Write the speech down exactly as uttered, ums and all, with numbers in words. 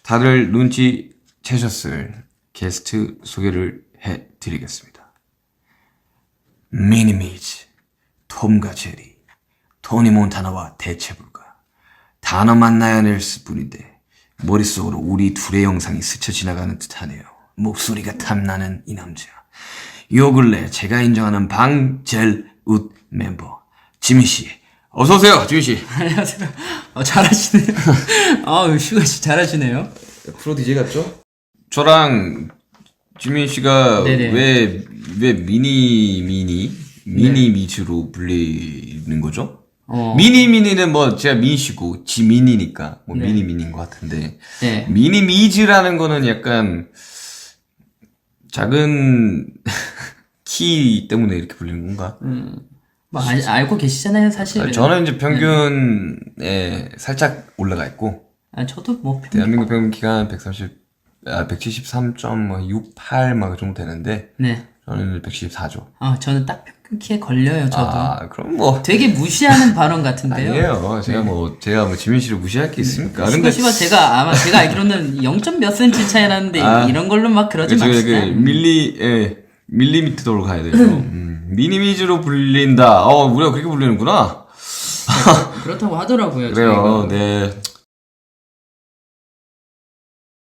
다들 눈치채셨을 게스트 소개를 해드리겠습니다. 미니미즈, 톰과 제리, 토니 몬타나와 대체 불가. 단어만 나야낼 뿐인데 머릿속으로 우리 둘의 영상이 스쳐 지나가는 듯하네요. 목소리가 탐나는 이 남자. 요 근래 제가 인정하는 방젤웃 멤버 지민씨, 어서오세요. 지민씨. 안녕하세요. 어, 잘하시네요. 아우, 슈가씨 잘하시네요. 프로 디제이 같죠? 저랑 지민씨가 왜, 왜 미니 미니 미니 미즈로 불리는 거죠? 어. 미니 미니는 뭐 제가 미니시고 지민이니까 뭐 네. 미니 미니인 것 같은데 네. 미니 미즈라는 거는 약간 작은 키 때문에 이렇게 불리는 건가? 음, 뭐 아, 알고 계시잖아요, 사실. 저는 이제 평균에 네. 살짝 올라가 있고. 아, 저도 뭐 평균. 대한민국 평균 키가 백삼십, 아, 백칠십삼 점 육팔 막 그 정도 되는데. 네. 저는 백칠십사죠. 아, 저는 딱 평균 키에 걸려요, 저도. 아, 그럼 뭐. 되게 무시하는 발언 같은데요? 아니에요. 제가 네. 뭐, 제가 뭐 지민 씨를 무시할 게 있습니까? 근데. 씨가 제가, 아마 제가 알기로는 영 점 몇 센치 차이 나는데, 아, 이런 걸로 막 그러지 마시죠. 그, 밀리, 예, 밀리미터로 가야 되죠. 음, 미니미즈로 불린다. 어, 우리가 그렇게 불리는구나. 네, 그렇다고 하더라고요. 그래요, 저희가. 네.